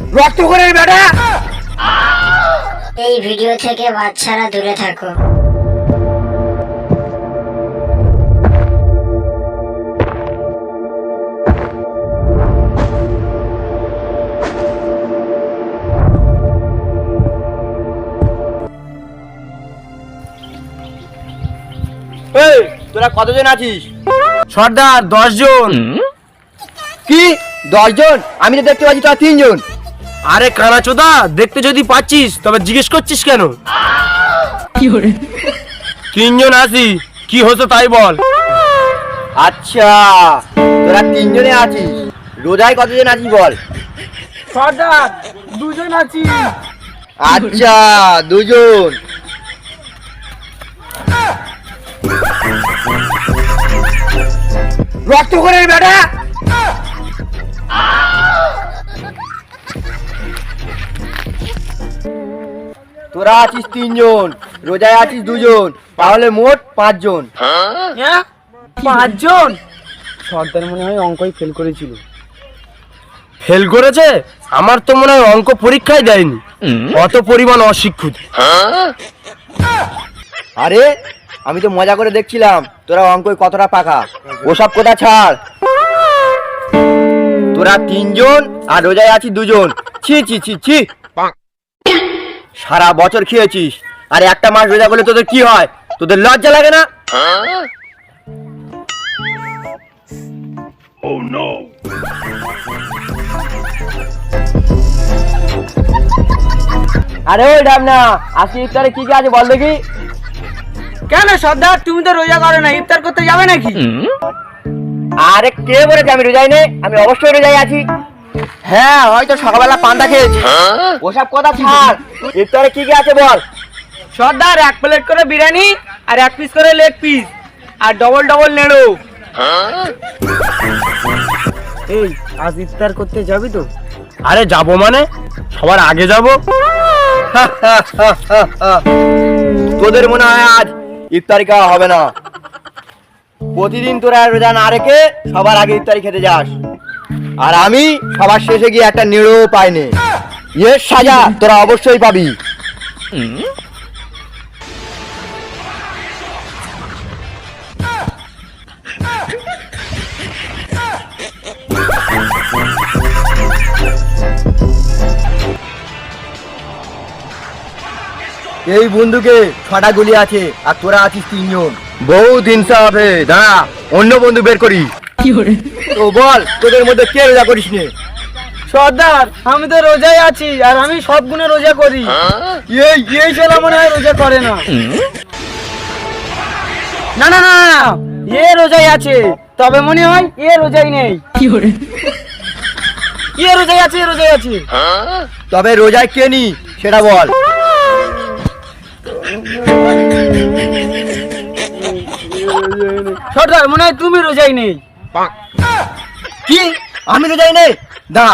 রক্ত করে বেটা। এই ভিডিও থেকে বাচ্চারা দূরে থাকো। এই তোরা কতজন আছিস? সর্দার 10 জন। কি 10 জন? আমি তো দেখতে পাচ্ছি তোরা 3 জন। আরে কানাচোদা, দেখতে যদি পাচ্ছিস তবে জিজ্ঞেস করছিস কেন? কি হরে 3 জন আছি, কি হতো তাই বল। আচ্ছা তোরা 3 জনে আছিস, রোজায় কতজন আছিস বল? সর্দার 2 জন আছি। আচ্ছা 2 জন। রক্ত করে বেটা। তোরা আছিস 3 জন, রোজায় আছিস 2 জন, তাহলে মোট 5 জন। 5 জন? সর্দার মনে হয় অঙ্কই ফেল করেছিল। ফেল করেছে? আমার তো মনে হয় অঙ্ক পরীক্ষায় দেয়নি, অত পরিমাণ অশিক্ষিত। আরে আমি তো মজা করে দেখছিলাম তোরা অঙ্কই কতটা পাকা। ওসব কথা ছাড়। তোরা 3 জন আর রোজায় আছিস 2 জন। ছি ছি ছি ছি। সারা বছর খেয়েছিস আর একটা মাস রোজা করলে তোদের কি হয়? তোদের লজ্জা লাগে না? আরে ওই ঢামনা, আজকে ইফতারে কি কি আছে বল দেখি। কেন সর্দার, তুমি তো রোজা করো না, ইফতার করতে যাবে নাকি? আরে কে বলেছে আমি রোজাই নেই? আমি অবশ্যই রোজাই আছি। হ্যাঁ হয়তো সকালবেলা পান্তা খেয়েছি। ওসব কথা ছাড়, ইফতারে কি কি আছে বল। সর্দার 1 প্লেট করে বিরিয়ানি আর 1 পিস করে লেগ পিস আর ডবল ডবল নেড়ো। এই আজ ইফতার করতে যাবি তো? আরে যাবো মানে, সবার আগে যাবো। তোদের মনে হয় আজ ইফতারি খাওয়া হবে না? প্রতিদিন তোরা রোজা না রেখে সবার আগে ইফতারি খেতে যাস, আর আমি সবার শেষে গিয়ে একটা নিড়ো পাইনি। এর সাজা তোরা অবশ্যই পাবি। এই বন্ধুকে 6টা গুলি আছে আর তোরা আছিস 3 জন। বহুত হিংসা হবে, দাঁড়া অন্য বন্ধু বের করি। তো বল তোদের মধ্যে কে রোজা করিস নে? সর্দার আমি তো রোজাই আছি আর আমি সব গুণে রোজা করি। এই ছেলে মনে হয় রোজা করে না। না না না না, এ রোজাই আছে, তবে মনে হয় এ রোজাই নেই। এ রোজাই আছে, রোজাই আছে। তবে রোজায় কে নি সেটা বল। সর্দার মনে হয় তুমি রোজাই নেই। কি আমি রোজাই নেই? দাঁড়া।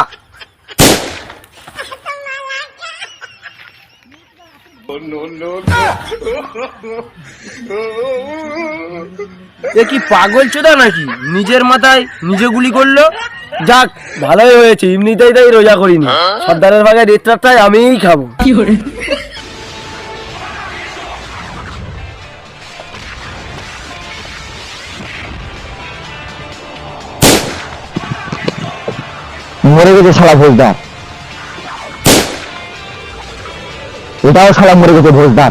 এ কি পাগল চোদা নাকি, নিজের মাথায় নিজে গুলি করলো। যাক ভালোই হয়েছে, এমনিতেই তাই রোজা করিনি, সর্দারের ভাগে রেটটাই আমিই খাবো। মরে গেছে শালা ভোজদার, এটাও শালা মরে গেছে ভোজদার।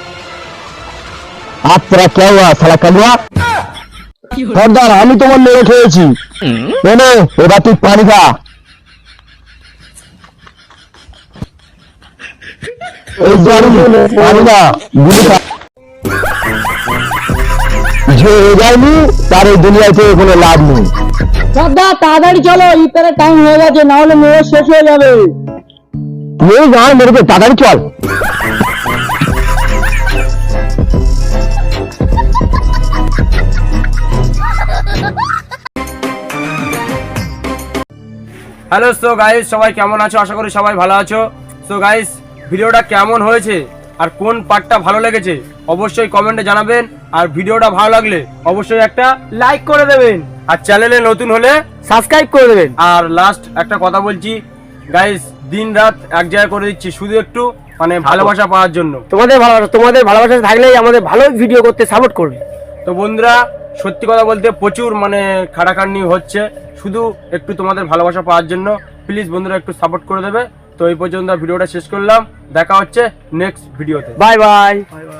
আর তোরা কেউ শালা কালুয়া। সর্দার আমি তোমার মেরে খেয়েছি, এনে এবার তুই পানি খা। এই পানি খা, গুলি খা। যে যায়নি তার এই দুনিয়াতে কোনো লাভ নেই। সর্দার তাড়াতাড়ি চলো, ইফতারের টাইম হয়ে গেছে, না হলে মেয়ে শেষ হয়ে যাবে। মেয়ে গান মেরেছে, তাড়াতাড়ি চল। হ্যালো, সো গাইস সবাই কেমন আছো? আশা করি সবাই ভালো আছো। সো গাইস ভিডিওটা কেমন হয়েছে আর কোন পার্টটা ভালো লেগেছে অবশ্যই কমেন্টে জানাবেন, আর ভিডিওটা ভালো লাগলে অবশ্যই একটা লাইক করে দেবেন, আর চ্যানেলে নতুন হলে সাবস্ক্রাইব করে দেবেন। আর লাস্ট একটা কথা বলছি, গাইস দিন রাত এক জায়গায় করে দিচ্ছি শুধু একটু মানে ভালোবাসা পাওয়ার জন্য। তোমাদের ভালোবাসা থাকলেই আমাদের ভালো ভিডিও করতে সাপোর্ট করবে। তো বন্ধুরা সত্যি কথা বলতে প্রচুর মানে খাটাখাটনি হচ্ছে শুধু একটু তোমাদের ভালোবাসা পাওয়ার জন্য। প্লিজ বন্ধুরা একটু সাপোর্ট করে দেবে। তো এই পর্যন্ত ভিডিওটা শেষ করলাম, দেখা হচ্ছে নেক্সট ভিডিওতে। Bye by.